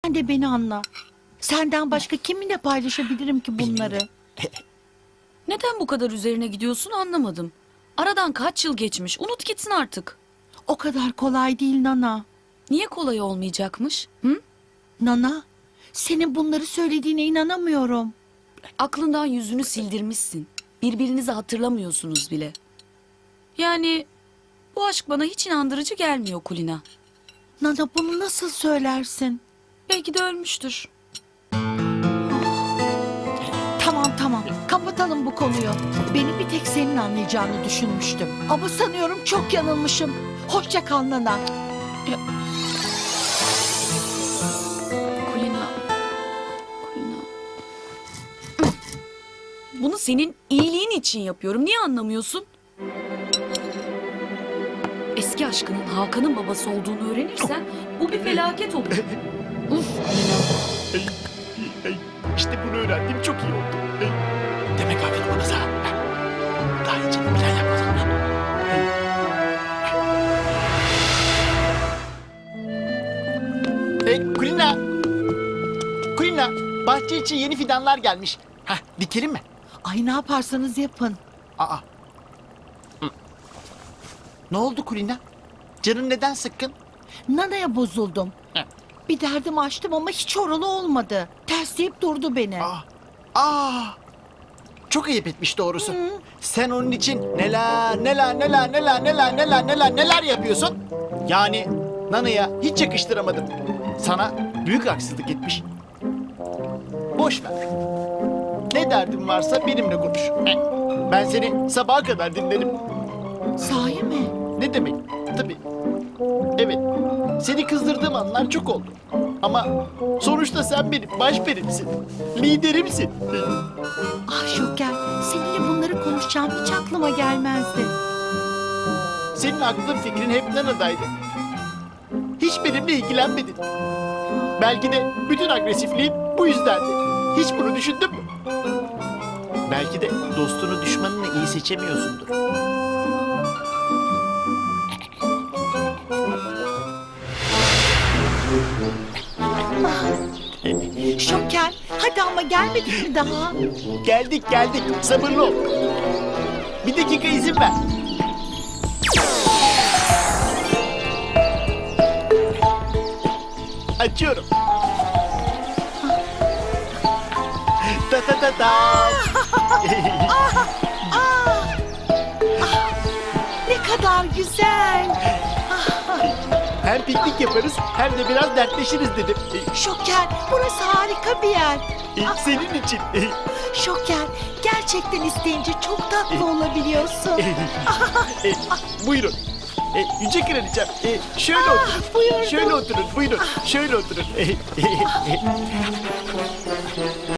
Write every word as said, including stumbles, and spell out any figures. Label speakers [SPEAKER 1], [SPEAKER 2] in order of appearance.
[SPEAKER 1] Sen de beni anla. Senden başka kiminle paylaşabilirim ki bunları?
[SPEAKER 2] Neden bu kadar üzerine gidiyorsun anlamadım. Aradan kaç yıl geçmiş, unut gitsin artık.
[SPEAKER 1] O kadar kolay değil Nana.
[SPEAKER 2] Niye kolay olmayacakmış? Hı?
[SPEAKER 1] Nana, senin bunları söylediğine inanamıyorum.
[SPEAKER 2] Aklından yüzünü sildirmişsin. Birbirinizi hatırlamıyorsunuz bile. Yani bu aşk bana hiç inandırıcı gelmiyor Kulina.
[SPEAKER 1] Nana, bunu nasıl söylersin?
[SPEAKER 2] Belki de ölmüştür.
[SPEAKER 1] Tamam tamam, kapatalım bu konuyu. Beni bir tek senin anlayacağını düşünmüştüm. Ama sanıyorum çok yanılmışım. Hoşça kal Nana.
[SPEAKER 2] Kulina. Kulina. Bunu senin iyiliğin için yapıyorum. Niye anlamıyorsun? Eski aşkının Hakan'ın babası olduğunu öğrenirsen bu bir felaket olur. Uf Kulina.
[SPEAKER 3] Ey, ey, İşte bunu öğrendim, çok iyi oldu. Ey, Demek Hakan'ın babası ha. Daha önce bir plan yapmadım. Hey Kulina. Kulina, bahçe için yeni fidanlar gelmiş. Hah, dikelim mi?
[SPEAKER 1] Ay, ne yaparsanız yapın.
[SPEAKER 3] Aa. Hı. Ne oldu Kulina? Canın neden sıkkın?
[SPEAKER 1] Nana'ya bozuldum.
[SPEAKER 3] Heh.
[SPEAKER 1] Bir derdim açtım ama hiç oralı olmadı. Tersleyip durdu beni.
[SPEAKER 3] Aa. Aa. Çok ayıp etmiş doğrusu.
[SPEAKER 1] Hı.
[SPEAKER 3] Sen onun için neler neler neler neler neler neler neler neler yapıyorsun? Yani Nana'ya hiç yakıştıramadım. Sana büyük haksızlık etmiş. Boş ver. Ne derdin varsa benimle konuş. Ben seni sabaha kadar dinlerim.
[SPEAKER 1] Sahi mi?
[SPEAKER 3] Ne demek? Tabii. Evet. Seni kızdırdığım anlar çok oldu. Ama sonuçta sen benim baş benimsin. Liderimsin.
[SPEAKER 1] Ah Şoker, seninle bunları konuşacağım hiç aklıma gelmezdi.
[SPEAKER 3] Senin aklın fikrin hep Nana'daydı. Hiç benimle ilgilenmedin. Belki de bütün agresifliğin bu yüzdendi. Hiç bunu düşündün mü? Belki de dostunu düşmanını iyi seçemiyorsundur.
[SPEAKER 1] Şoker, hadi ama gelmedik mi daha?
[SPEAKER 3] Geldik geldik. Sabırlı ol. Bir dakika izin ver. Açıyorum. Ta ta ta ta.
[SPEAKER 1] Ne kadar güzel.
[SPEAKER 3] Hem piknik yaparız hem de biraz dertleşiriz dedim.
[SPEAKER 1] Şoker, burası harika bir yer.
[SPEAKER 3] E, Senin için.
[SPEAKER 1] Şoker, gerçekten isteyince çok tatlı olabiliyorsun.
[SPEAKER 3] E, Buyurun. E, Yüce Kraliçem, e, şöyle oturun.
[SPEAKER 1] Buyurdum.
[SPEAKER 3] Şöyle oturun, buyurun. Şöyle oturun.